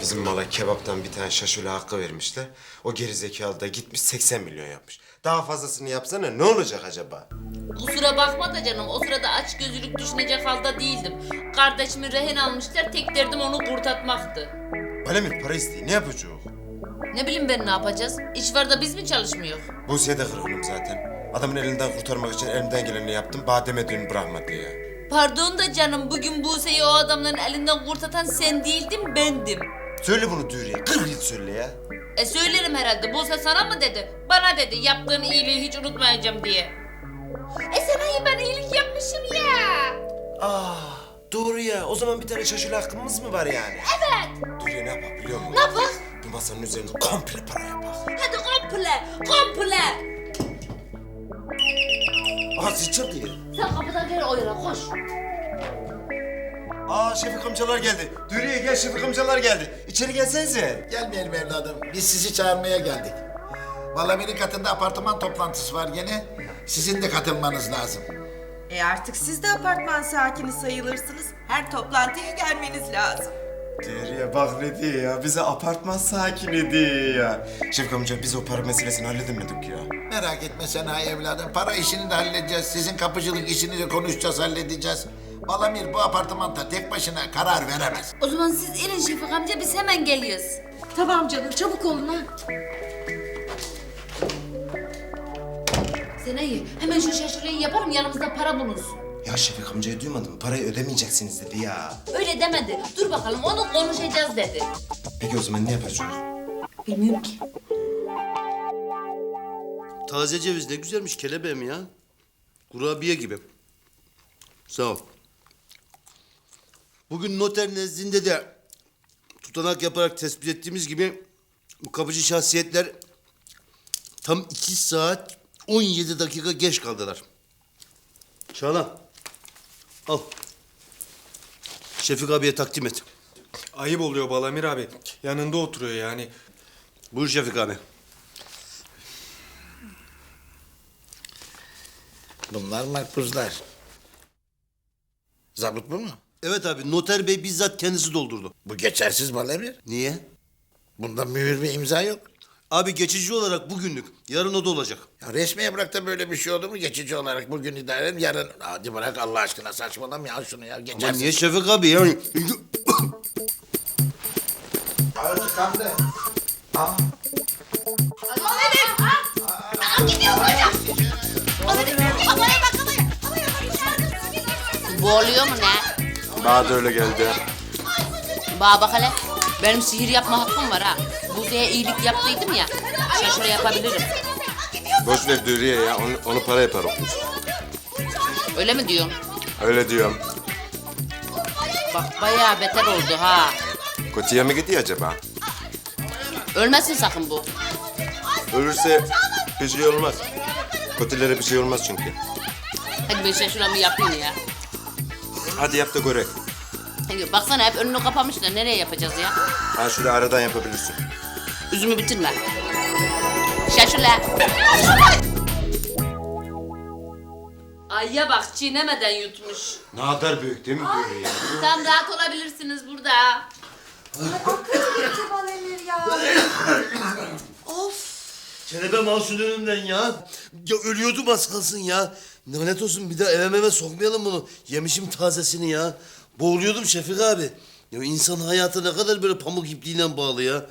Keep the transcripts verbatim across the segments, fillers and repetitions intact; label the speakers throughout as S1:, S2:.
S1: Bizim mala kebaptan bir tane şaşule hakkı vermişler. O gerizekalı da gitmiş seksen milyon yapmış. Daha fazlasını yapsana ne olacak acaba?
S2: Kusura bakma da canım, o sırada aç gözlülük düşünecek halde değildim. Kardeşimi rehin almışlar, tek derdim onu kurtartmaktı.
S1: Balemir para isteği ne yapacak?
S2: Ne bileyim ben ne yapacağız? İş var da biz mi çalışmıyor?
S1: Buse'ye de kırgınım zaten. Adamın elinden kurtarmak için elimden geleni yaptım. Bademe düğünü bırakmadı ya.
S2: Pardon da canım, bugün Buse'yi o adamların elinden kurtatan sen değildin, bendim.
S1: Söyle bunu Dürüye. Kırk yıl söyle ya.
S2: E söylerim herhalde, Buse sana mı dedi? Bana dedi, yaptığın iyiliği hiç unutmayacağım diye. E sana ben iyilik yapmışım ya.
S1: Ah doğru ya. O zaman bir tane şaşule hakkımız mı var yani?
S2: Evet.
S1: Dürüye ne yapar biliyor musun?
S2: Ne yapak?
S1: Bu masanın üzerine komple para yapar.
S2: Hadi komple, komple.
S1: Aha sıçır diye.
S2: Sen kapıdan gel o yana, koş.
S1: Aa Şefik amcalar geldi. Dürüye gel Şefik amcalar geldi. İçeri gelsenize.
S3: Gelmeyelim evladım. Biz sizi çağırmaya geldik. Valamir'in katında apartman toplantısı var gene. Sizin de katılmanız lazım.
S4: E artık siz de apartman sakini sayılırsınız. Her toplantıya gelmeniz lazım.
S1: Dürüye bak ne diyor ya. Bize apartman sakini diyor ya. Şefik amca biz o para meselesini halledemedik ya.
S3: Merak etme sen ha evladım. Para işini de halledeceğiz. Sizin kapıcılık işini de konuşacağız, halledeceğiz. Valamir bu apartmanda tek başına karar veremez.
S2: O zaman siz inin Şefik amca, biz hemen geliyoruz.
S4: Tamam canım, çabuk olun ha.
S2: Sen iyi, hemen şu şaşırıyı yaparım, yanımızda para bulunsun.
S1: Ya Şefik amcayı duymadın mı? Parayı ödemeyeceksiniz dedi ya.
S2: Öyle demedi, dur bakalım onu konuşacağız dedi.
S1: Peki o zaman ne yapacağız?
S2: Bilmiyorum ki.
S5: Taze ceviz ne güzelmiş kelebeğim ya. Kurabiye gibi. Sağ ol. Bugün noter nezdinde de tutanak yaparak tespit ettiğimiz gibi bu kapıcı şahsiyetler tam iki saat on yedi dakika geç kaldılar. Çağla, al. Şefik abiye takdim et.
S6: Ayıp oluyor Balamir abi. Yanında oturuyor yani.
S5: Buyur Şefik abi.
S3: Bunlar makbuzlar. Zabıt bu mu?
S5: Evet abi, noter bey bizzat kendisi doldurdu.
S3: Bu geçersiz Valamir.
S5: Niye?
S3: Bunda mühür ve imza yok.
S5: Abi geçici olarak bugünlük, yarın o da olacak.
S3: Ya resmiye bırak da böyle bir şey olur mu? Geçici olarak bugün idare edin, yarın... Hadi bırak Allah aşkına, saçmalama ya şunu ya.
S5: Ama
S3: Geçersiz.
S5: niye Şefik abi yani?
S3: Ağzı kandı.
S2: Bu oluyor mu ne?
S1: Bana da öyle geldi.
S2: Bana bak hele, benim sihir yapma hakkım var ha. Buse'ye iyilik yaptıydım ya, şaşırı yapabilirim.
S1: Boş ver Dürüye ya. Onu, onu para yaparım.
S2: Öyle mi diyorsun?
S1: Öyle diyorum.
S2: Bak bayağı beter oldu ha.
S1: Kötüye mi gidiyor acaba?
S2: Ölmesin sakın bu.
S1: Ölürse bir şey olmaz. Kötülere bir şey olmaz çünkü.
S2: Hadi ben şaşıramı yapayım ya.
S1: Hadi yap da göre.
S2: Hadi baksana, hep önünü kapamışlar, nereye yapacağız ya?
S1: Ha şöyle aradan yapabilirsin.
S2: Üzümü bitirme. Şaşırla. Ayya bak, çiğnemeden yutmuş.
S1: Ne kadar büyük değil mi Dürüye?
S2: Tam rahat olabilirsiniz burada.
S4: Valamir ya. Of.
S5: Kelebe masum önümden ya. Ya ölüyordum az kalsın ya. Lanet olsun, bir daha eve meve sokmayalım bunu. Yemişim tazesini ya. Boğuluyordum Şefik abi. Ya insan hayatı ne kadar böyle pamuk ipliğiyle bağlı ya.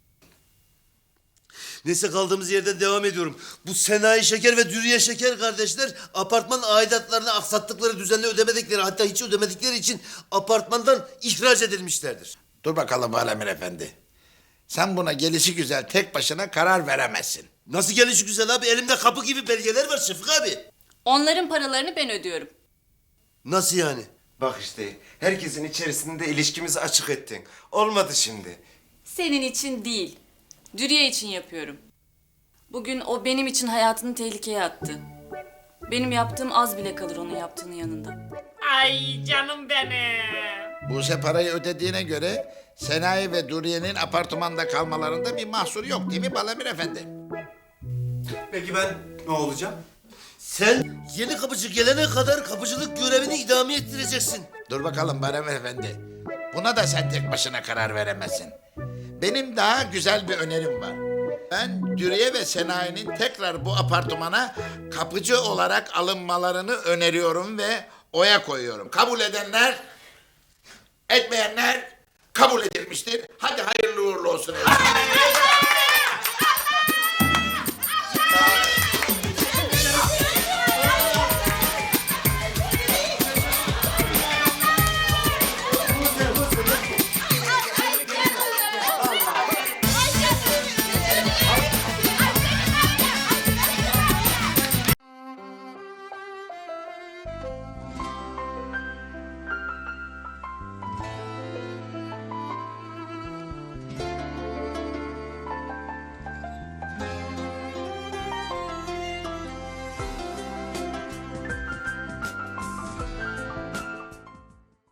S5: Neyse, kaldığımız yerden devam ediyorum. Bu Senayi Şeker ve Dürüye Şeker kardeşler apartman aidatlarını aksattıkları, düzenli ödemedikleri, hatta hiç ödemedikleri için apartmandan ihraç edilmişlerdir.
S3: Dur bakalım Valamir efendi. Sen buna gelişi güzel tek başına karar veremezsin.
S5: Nasıl gelişi güzel abi? Elimde kapı gibi belgeler var Şefik abi.
S7: Onların paralarını ben ödüyorum.
S5: Nasıl yani?
S1: Bak işte herkesin içerisinde ilişkimizi açık ettin. Olmadı şimdi.
S7: Senin için değil, Dürüye için yapıyorum. Bugün o benim için hayatını tehlikeye attı. Benim yaptığım az bile kalır onun yaptığının yanında.
S2: Ay canım benim.
S3: Buse parayı ödediğine göre Senayi ve Duriye'nin apartmanda kalmalarında bir mahsur yok değil mi Balamir efendi?
S6: Peki ben ne olacağım?
S5: Sen yeni kapıcı gelene kadar kapıcılık görevini idame ettireceksin.
S3: Dur bakalım Balamir efendi. Buna da sen tek başına karar veremezsin. Benim daha güzel bir önerim var. Ben Dürüye ve Senayi'nin tekrar bu apartmana kapıcı olarak alınmalarını öneriyorum ve oya koyuyorum. Kabul edenler, etmeyenler kabul edilmiştir. Hadi hayırlı uğurlu olsun. efendim.